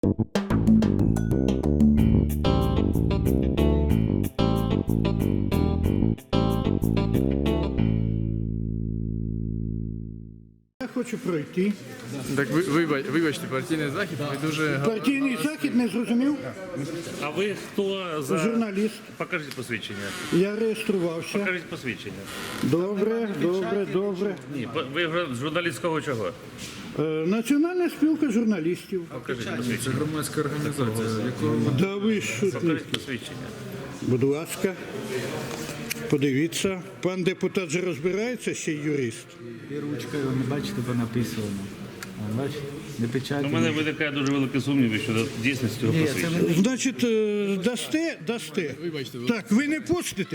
Я хочу пройти. Так вибачте, партійний захід, ви дуже... Партійний захід не зрозумів? А ви хто за... Журналіст. Покажіть посвідчення. Я реєструвався. Покажіть посвідчення. Добре. Ні, ви журналістського чого? Національна спілка журналістів. Покажіть посвідчення. Це громадська організація, якого... Да ви що? Покажіть посвідчення. Будь ласка, подивіться. Пан депутат же розбирається, ще й юрист. І ручкою, не бачите, бо написано. Бачите? Не печатні. У мене виникає дуже великі сумніви щодо дійсності цього Ні, це посвідчення. ви Значить, дасте? Так, ви не пустите?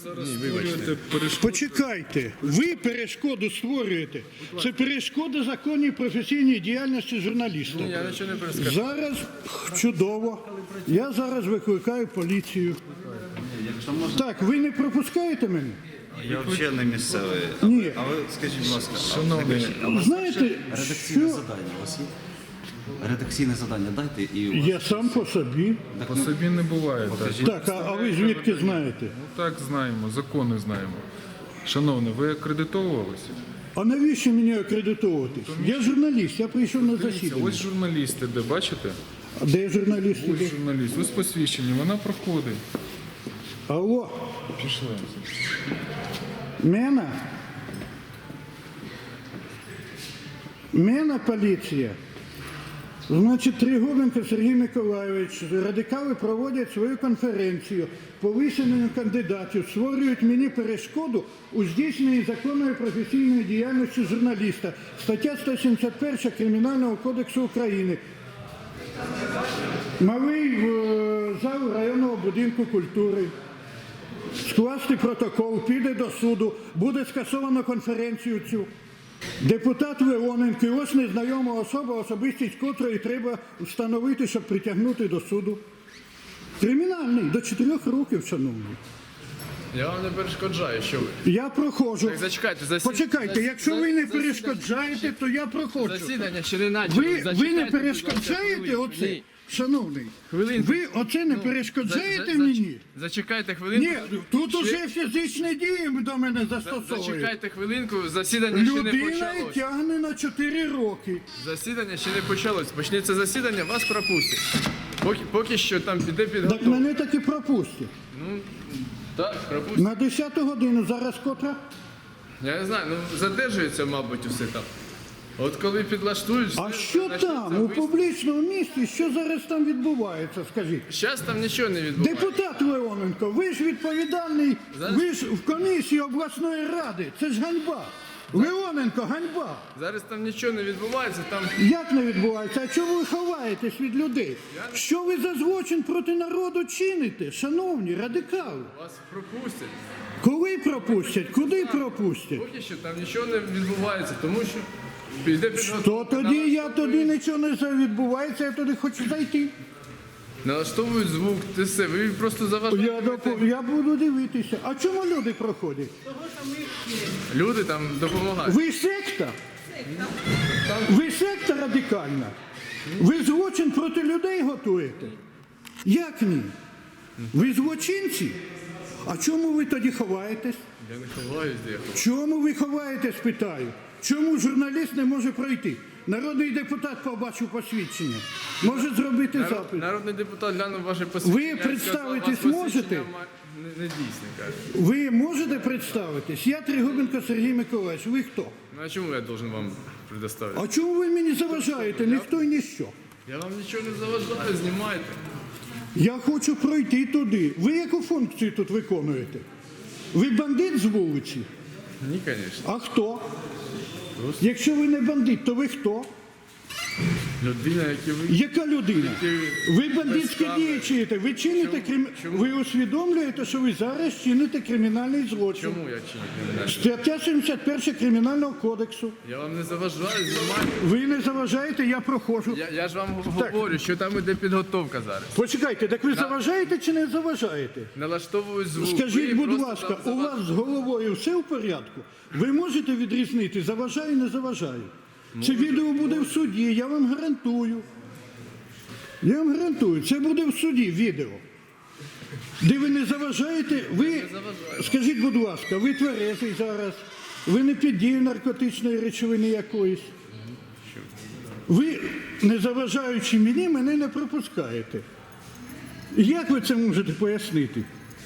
Почекайте. Ви перешкоду створюєте. Це перешкода законній професійній діяльності журналіста. Я нічого не перескажу. Зараз чудово. Я зараз викликаю поліцію. Так, ви не пропускаєте мене? Я взагалі не місцевий. Ні. А ви скажіть, будь ласка, Знаєте, Редакційне що завдання у вас є? Редакційне завдання дайте і у вас. я сам по собі. По собі не буває так. Так, а ви звідки знаєте? Ну так знаємо, закони знаємо. Шановний, ви акредитовувалися? А навіщо мені акредитовуватись? Я журналіст, я прийшов на Дивіться, засідання. ось журналісти, де бачите? А де журналіст? Ось журналіст, ось посвідчення, вона проходить. Алло, Пішли. Мена поліція. Значить, Тригубенко Сергій Миколайович, радикали проводять свою конференцію по висуненню кандидатів, створюють мені перешкоду у здійсненні законної професійної діяльності журналіста. Стаття 171 Кримінального кодексу України. Малий в зал районного будинку культури. Скласти протокол, піде до суду, буде скасовано конференцію цю. Депутат Леоненко, і ось незнайома особа, особистість котрої треба встановити, щоб притягнути до суду. Кримінальний, до 4 років, шановний. Я вам не перешкоджаю, що ви. Я проходжу. Так, зачекайте, Почекайте, якщо ви не перешкоджаєте, то я проходжу. Засідання ще не начали. Ви не Зачекайте, перешкоджаєте будь ласка, оце? Ні. Шановний, Хвилинку. ви оце не перешкоджаєте За- мені? Зачекайте хвилинку. Ні, тут уже фізичні дії до мене застосовують. Зачекайте хвилинку, засідання ще не Людина почалось. тягне на 4 роки. Засідання ще не почалось. Почнеться засідання, вас пропустять. Поки що там піде Так підготовка. мене таки пропустять. Так, пропустять. На 10 годину зараз котра? Я не знаю, ну задержується, мабуть, усе там. От коли підлаштують... А що там, у публічному місці, що зараз там відбувається, скажіть? Зараз там нічого не відбувається. Депутат Леоненко, ви ж відповідальний, ви ж в комісії обласної ради, це ж ганьба. Леоненко, ганьба. Зараз там нічого не відбувається, там... Як не відбувається? А чому ви ховаєтесь від людей? Що ви за злочин проти народу чините, шановні радикали? Вас пропустять. Коли пропустять? Куди пропустять? Поки що там нічого не відбувається, тому що піде підготовка. То тоді я тоді нічого не відбувається, я туди хочу зайти. Налаштовують звук, ти все, ви просто заважаєте. Я буду дивитися. А чому люди проходять? Люди там допомагають. Ви секта? Ви секта радикальна? Ви злочин проти людей готуєте? Як ні? Ви злочинці? А чому ви тоді ховаєтесь? Я не ховаюсь, де я ховаюсь. Чому ви ховаєтесь, питаю? Чому журналіст не може пройти? Народний депутат побачив посвідчення. Може зробити запит. Народний депутат глянув ваше посвідчення. Ви представитись сказав, «Вас можете?» посвідчення не дійсне, каже. Ви можете представитись? Я Тригубенко Сергій Миколаївич. Ви хто? Ну а чому я должен вам предоставити? А чому ви мені заважаєте? Ніхто і ніщо. Я вам нічого не заважаю, знімайте. Я хочу пройти туди. Ви яку функцію тут виконуєте? Ви бандит з вулиці? Ні, звісно. А хто? Якщо ви не бандит, то ви хто? Людина, як і ви. Яка людина? Ви бандитські без дії чините. Ви чините Ви усвідомлюєте, що ви зараз чините кримінальний злочин. Чому я чиню кримінальне? Стаття 71 Кримінального кодексу. Я вам не заважаю, знімайте. Ви не заважаєте, я проходжу. Я ж вам говорю, що там іде підготовка зараз. Почекайте, так ви заважаєте чи не заважаєте? Налаштовують звук. Скажіть, Ви будь просто ласка, там у вас з головою все в порядку? Ви можете відрізнити, заважаю, не заважаю? Це відео буде в суді, я вам гарантую. Я вам гарантую, це буде в суді відео. Де ви не заважаєте, ви, скажіть, будь ласка, ви тверезий зараз, ви не під дією наркотичної речовини якоїсь. Ви, не заважаючи мені, мене не пропускаєте. Як ви це можете пояснити?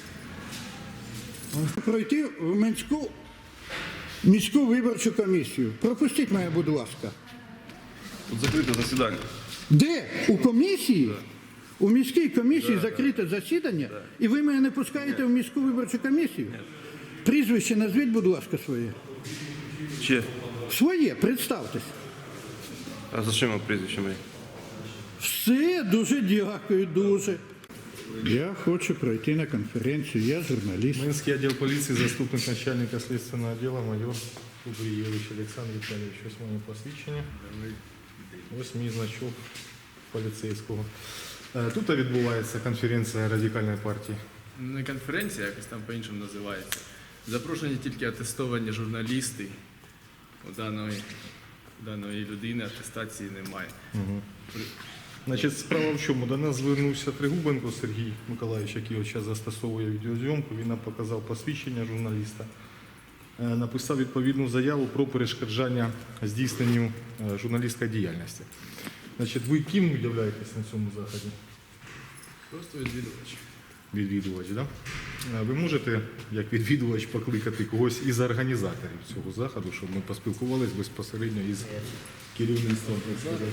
Пройти в міську виборчу комісію. Пропустіть мене, будь ласка. Тут закрите засідання. Де? У комісії? У міській комісії закрите засідання, і ви мене не пускаєте в міську виборчу комісію? Прізвище назвіть, будь ласка, своє. Чи? Своє, представтесь. А за чим прізвище моє? Все, дуже дякую, дуже. Я хочу пройти на конференцію, я журналіст. Минский отдел полиции, заступник начальника следственного отдела, майор Кубриевич Олександр Віталійович. Ось моє посвідчення. Ось мій значок поліцейського. Тут відбувається конференція радикальної партії. Не конференція, якось там по-іншому називається. Запрошені тільки атестовані журналісти. У даної людини атестації немає. Значить, справа в чому? До нас звернувся Тригубенко Сергій Миколаївич, який от зараз застосовує відеозйомку. Він нам показав посвідчення журналіста. Написав відповідну заяву про перешкоджання здійсненню журналістської діяльності. Значить, ви ким являєтесь на цьому заході? Просто відвідувач. Відвідувач, так? Да? Ви можете, як відвідувач, покликати когось із організаторів цього заходу, щоб ми поспілкувалися безпосередньо із керівництвом, так сказати?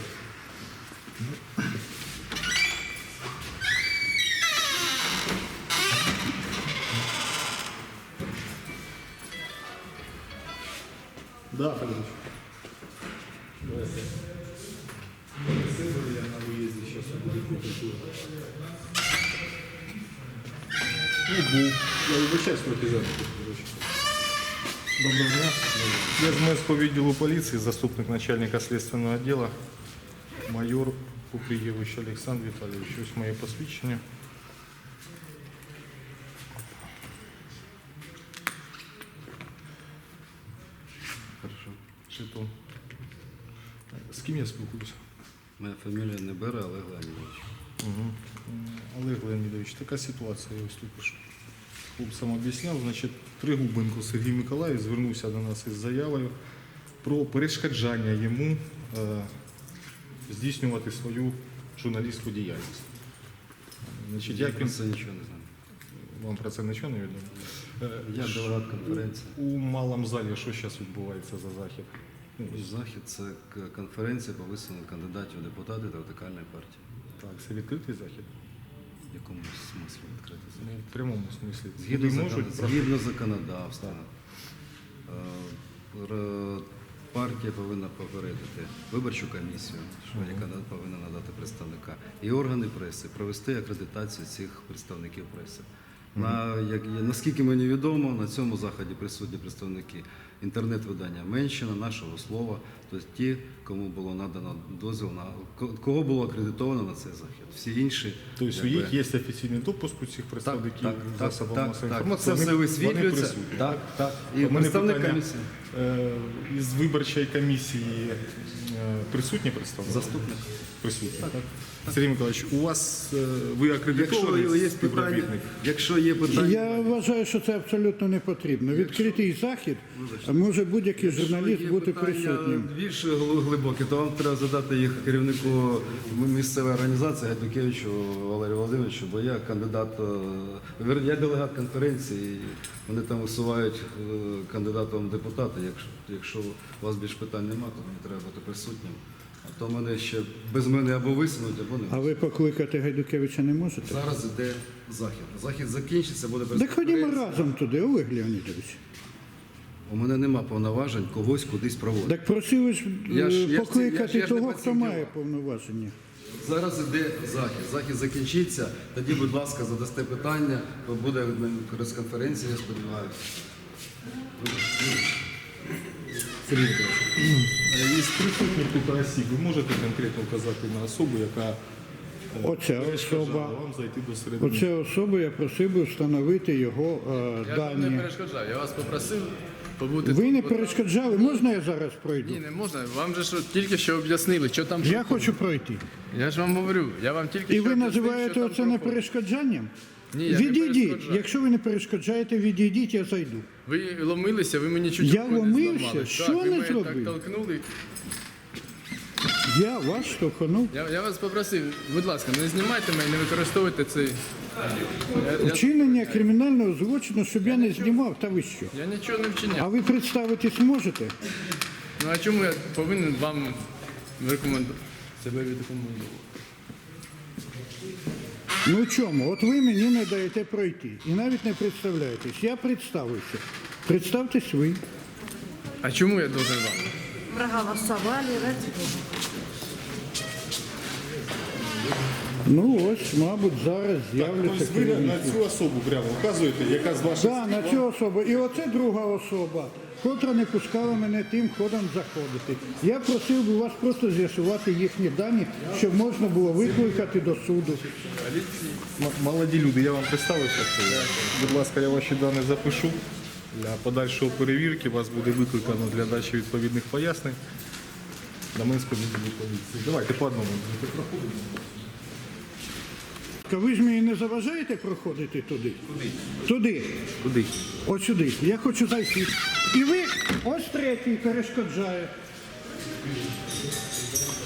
Да, Федорович. Давайте. Я на выезде сейчас буду. Я вибачаюсь, трохи запиту. Доброго дня. Я з Минського відділу поліції, заступник начальника слідственного відділу, майор Купрієвич Олександр Віталійович. Ось моє посвідчення. Хорошо. Жетон. З ким я спілкуюся? Моя фамілія не бере, Олег Леонідович. Олег Леонідович, така ситуація, я ось тільки що хлопцям об'ясняв. Значить, Тригубенко Сергій Миколаївич звернувся до нас із заявою про перешкоджання йому здійснювати свою журналістську діяльність. Значить, Я як про він... це нічого не знаю. Вам про це нічого не відомо? Я делегат конференції. У малому залі що зараз відбувається за захід? Захід це конференція по висуненню кандидатів у депутати та радикальної партії. Так, це відкритий захід? В якому смислі відкрити Ну, захід? в прямому смислі. Згідно, Люди можуть згідно законодавства, партія повинна попередити виборчу комісію, що яка повинна надати представника, і органи преси провести акредитацію цих представників преси. Наскільки мені відомо, на цьому заході присутні представники інтернет-видання Менщина, Нашого Слова, тобто ті, кому було надано дозвіл, кого було акредитовано на цей захід. Всі інші... Тобто у них є офіційний допуск у цих представників засобів масової інформації. Це все Вони висвітлюється. присутні. Так. І У мене представник питання, комісії. Із виборчої комісії присутні представники? Заступник. Присутні, так? Сергій Миколаївич, у вас, ви акредитований співробітник? Якщо є питання... Я вважаю, що це абсолютно не потрібно. Відкритий захід, а може будь-який журналіст бути присутнім. Більш глибокі, то вам треба задати їх керівнику місцевої організації Гайдукевичу Валерію Володимировичу, бо я кандидат, я делегат конференції, і вони там висувають кандидатом в депутати. Якщо у вас більш питань немає, то мені треба бути присутнім. А то мене ще без мене або висунуть, або не. А ви покликати Гайдукевича не можете? Зараз іде захід. Захід закінчиться, буде Так ходімо прес-конференція. разом туди, Олег Леонідович. У мене нема повноважень когось кудись проводити. Так просили ж Я ж покликати не того, по хто цим має ділам. повноваження. Зараз іде захід. Захід закінчиться. Тоді, будь ласка, задасте питання. Буде прес-конференція, я сподіваюся. Сергій Миколаївич, із присутніх тут осіб ви можете конкретно вказати на особу, яка Оця перешкоджала особа. вам зайти до середини? Оця особа, я просив би встановити його Я вам не дані. перешкоджав. Я вас попросив побути. Ви не тут. перешкоджали, можна я зараз пройду? Ні, не можна. Вам же що, тільки що об'яснили, що там. Я хочу пройти. Я ж вам говорю, я вам тільки І що ви об'яснив, називаєте що там це не проходить. перешкоджанням? Ні, я не Відійдіть. перешкоджаю. Якщо ви не перешкоджаєте, відійдіть, я зайду. Ви ломилися, ви мені чуть Я руку не ломився? зламали. Що так, ви не мене зробив? так толкнули. Я вас штовхнув. Я вас попросив, будь ласка, не знімайте мене, не використовуйте цей. Вчинення кримінального злочину, щоб я не знімав, та ви що? Я нічого не А вчиняв. ви представитись можете? Ну а чому я повинен вам себе відрекомендувати? Ну чому? От ви мені не даєте пройти. І навіть не представляєтесь. Я представився. Представтесь ви. А чому я должен вам? Проголосовали, Ну ось, мабуть, зараз з'являться Тобто ви на керівники. цю особу прямо вказуєте, яка з ваших Так, на цю особу. І оце друга особа, котра не пускала мене тим ходом заходити. Я просив би вас просто з'ясувати їхні дані, щоб можна було викликати до суду. Молоді люди, я вам представився. Будь ласка, я ваші дані запишу. Для подальшої перевірки вас буде викликано для дачі відповідних пояснень на Минську відділу поліції. Давайте по одному. Ви ж мені не заважаєте проходити туди? Туди. Куди? От сюди. Я хочу зайти. І ви ось третій перешкоджає.